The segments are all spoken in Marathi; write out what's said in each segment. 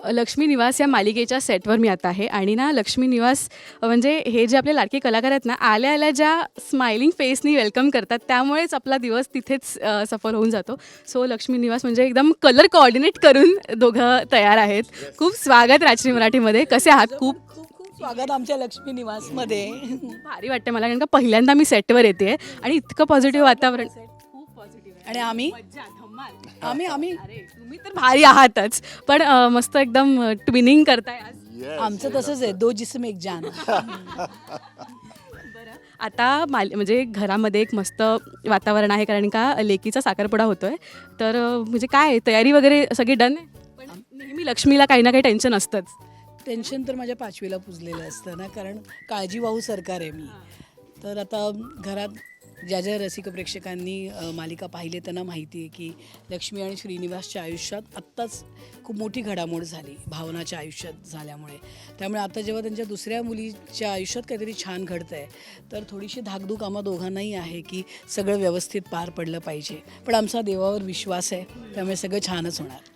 लक्ष्मी निवास या मालिकेच्या सेटवर मी आता आहे आणि ना लक्ष्मी निवास म्हणजे हे जे आपले लाडके कलाकार आहेत ना, आल्या आल्या ज्या स्माइलिंग फेसनी वेलकम करतात त्यामुळेच आपला दिवस तिथेच सफल होऊन जातो. सो लक्ष्मी निवास म्हणजे एकदम कलर कोऑर्डिनेट करून दोघं तयार आहेत. खूप स्वागत राजश्री मराठीमध्ये. कसे आहात? खूप स्वागत आमच्या लक्ष्मी निवासमध्ये. भारी वाटते मला, कारण का पहिल्यांदा मी सेटवर येते आणि इतकं पॉझिटिव्ह वातावरण. खूप पॉझिटिव्ह आणि आम्ही अरे तुम्ही तर भारी आहातच, पण मस्त एकदम ट्विनिंग करताय आज. आमचं तसंच आहे, दो जिस्म एक जान. आता म्हणजे घरामध्ये एक मस्त वातावरण आहे, कारण का लेकीचा साखरपुडा होतोय. तर म्हणजे काय तयारी वगैरे सगळी डन आहे? पण नेहमी लक्ष्मीला काही ना काही टेन्शन असतंच. टेन्शन तर माझ्या 5वीला पुजलेलं असतं ना, कारण काळजीवाहू सरकार आहे मी. तर आता घरात ज्या ज्या रसिक प्रेक्षकांनी मालिका पाहिली त्यांना माहिती आहे की लक्ष्मी आणि श्रीनिवासच्या आयुष्यात आत्ताच खूप मोठी घडामोड झाली भावनाच्या आयुष्यात झाल्यामुळे. त्यामुळे आता जेव्हा त्यांच्या दुसऱ्या मुलीच्या आयुष्यात काहीतरी छान घडतं आहे तर थोडीशी धाकधूक आम्हा दोघांनाही आहे की सगळं व्यवस्थित पार पडलं पाहिजे. पण आमचा देवावर विश्वास आहे, त्यामुळे सगळं छानच होणार.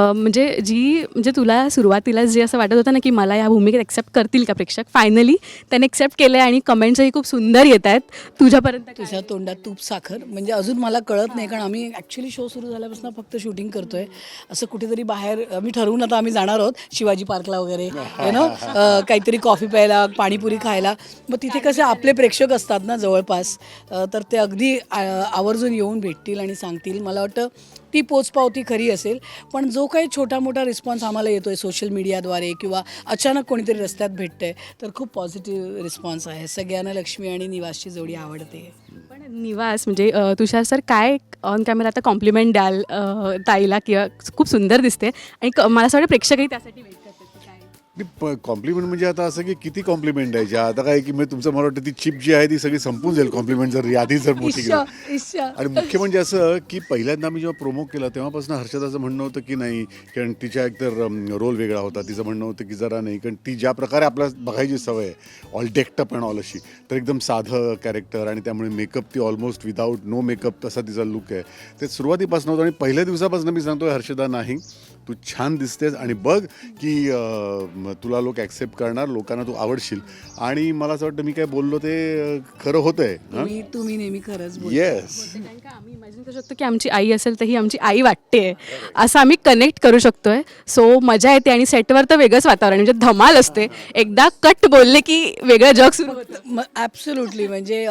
म्हणजे तुला सुरुवातीला जे असं वाटत होतं ना की मला या भूमिकेत एक्सेप्ट करतील का प्रेक्षक, फायनली त्याने एक्सेप्ट केलं आहे आणि कमेंट्सही खूप सुंदर येत आहेत. तुझ्यापर्यंत तुझ्या तोंडात तूप साखर म्हणजे अजून मला कळत नाही, कारण आम्ही ॲक्च्युली शो सुरू झाल्यापासून फक्त शूटिंग करतो आहे. असं कुठेतरी बाहेर आम्ही ठरवून आता आम्ही जाणार आहोत शिवाजी पार्कला वगैरे, काहीतरी कॉफी प्यायला, पाणीपुरी खायला. मग तिथे कसे आपले प्रेक्षक असतात ना जवळपास, तर ते अगदी आवर्जून येऊन भेटतील आणि सांगतील. मला वाटतं ती पोचपावती खरी असेल. पण जो काही छोटा मोठा रिस्पॉन्स आम्हाला येतो आहे सोशल मीडियाद्वारे किंवा अचानक कोणीतरी रस्त्यात भेटतं आहे तर खूप पॉझिटिव्ह रिस्पॉन्स आहे. सगळ्यांना लक्ष्मी आणि निवासची जोडी आवडते. पण निवास म्हणजे तुषार सर काय ऑन कॅमेरा आता कॉम्प्लिमेंट द्याल ताईला, किंवा खूप सुंदर दिसते आणि मला असं वाटतं प्रेक्षकही त्यासाठी वेट करतात. कॉम्प्लिमेंट म्हणजे आता असं की किती कॉम्प्लिमेंट द्यायचे. आता काय की मी तुमचं मला वाटतं ती चिप जी आहे ती सगळी संपून जाईल कॉम्प्लिमेंट जर यादी जर मोठी केली. आणि मुख्य म्हणजे असं की पहिल्यांदा मी जेव्हा प्रोमो केला तेव्हापासून हर्षदाचं म्हणणं होतं की नाही, कारण तिच्या एकतर रोल वेगळा होता. तिचं म्हणणं होतं की जरा नाही, कारण ती ज्या प्रकारे आपल्याला बघायची सवय आहे ऑल डेक्टअप अँड ऑल अशी, तर एकदम साधं कॅरेक्टर आणि त्यामुळे मेकअप ती ऑलमोस्ट विदाऊट नो मेकअप तसा तिचा लुक आहे. ते सुरुवातीपासून होतं आणि पहिल्या दिवसापासून मी सांगतोय हर्षदा नाही तू छान दिसतेस आणि बघ की तुला लोक ॲक्सेप्ट करणार, लोकांना तू आवडशील. आणि मला असं वाटतं मी काय बोललो ते खरं होतंय. तुम्ही नेहमी खरंच येस, कारण का आम्ही इमॅजिन करू शकतो की आमची आई असेल तर ही आमची आई वाटते, असं आम्ही कनेक्ट करू शकतोय. सो मजा येते आणि सेटवर तर वेगळंच वातावरण म्हणजे धमाल असते. एकदा कट बोलले की वेगळं जग सुरू होतं. ॲब्सोल्युटली. म्हणजे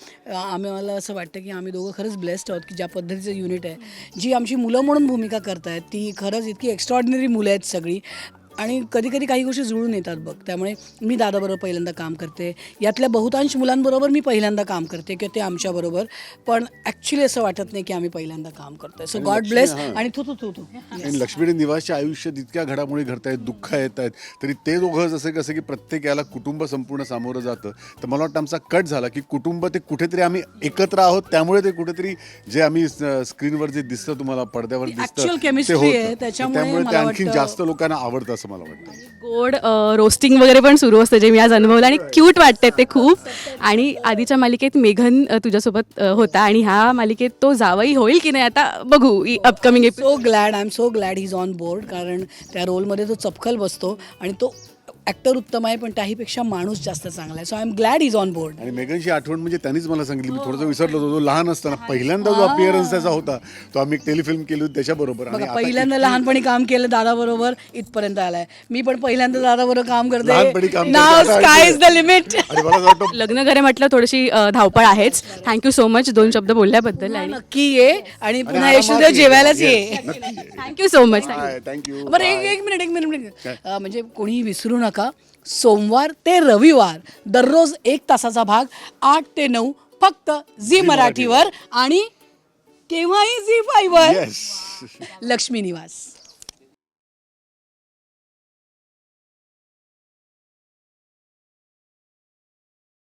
मला असं वाटतं की आम्ही दोघं खरंच ब्लेस्ड आहोत की ज्या पद्धतीचं युनिट आहे, जी आमची मुलं म्हणून भूमिका करतायत ती खरंच इतकी एक्स्ट्रॉर्डिनरी मुलं आहेत सगळी. आणि कधी कधी काही गोष्टी जुळून येतात बघ. त्यामुळे मी दादाबरोबर पहिल्यांदा काम करते, यातल्या बहुतांश मुलांबरोबर मी पहिल्यांदा काम करते किंवा ते आमच्याबरोबर, पण ॲक्च्युली असं वाटत नाही की आम्ही पहिल्यांदा काम करतोय. So god bless. आणि तू आणि लक्ष्मी आणि निवासच्या आयुष्यात इतक्या घडामोडी घडत आहेत, दुःख येत आहेत, तरी ते दोघं जसे कसं की प्रत्येक याला कुटुंब संपूर्ण सामोरं जातं. तर मला वाटतं आमचा कट झाला की कुटुंब ते कुठेतरी आम्ही एकत्र आहोत, त्यामुळे ते कुठेतरी जे आम्ही स्क्रीनवर जे दिसतं तुम्हाला पडद्यावर दिसतं केमिस्ट्री आहे, त्याच्यामुळे ते आणखी जास्त लोकांना आवडतं असं मला वाटतं. गोड रोस्टिंग वगैरे पण सुरू असतं जे मी आज अनुभवलं आणि क्यूट वाटते ते खूप. आणि आधीच्या मालिकेत मेघन तुझ्यासोबत होता आणि ह्या मालिकेत तो जावई होईल की नाही आता बघू upcoming. I am so glad he is on board, कारण त्या रोलमध्ये तो चपखल बसतो आणि तो ॲक्टर उत्तम आहे, पण त्याहीपेक्षा माणूस जास्त चांगला आहे. So I am glad is on board. आणि मेघनची आठवण म्हणजे त्यांनीच मला सांगितली, मी थोडंसं विसरलो होतो. लहान असताना पहिल्यांदा जो अपीअरन्स त्याचा होता तो आम्ही एक टेलिफिल्म केली होती त्याच्याबरोबर. आणि पहिल्यांदा लहानपणी काम केलं दादाबरोबर, इथपर्यंत आलाय. मी पण पहिल्यांदा दादाबरोबर काम करते. नाव स्काय इज द लिमिट. लग्न करे म्हटलं थोडीशी धावपळ आहेच. थँक्यू सो मच 2 शब्द बोलल्याबद्दल. आणि नक्की ये आणि पुन्हा यशोदेव जेवायलाच ये. Thank you so much. थँक्यू. बरं एक मिनिट म्हणजे कोणीही विसरू नका, सोमवार ते रविवार दररोज 1 तासाचा भाग 8 ते 9 फक्त झी मराठीवर आणि केव्हाही झी 5 वर. लक्ष्मी निवास.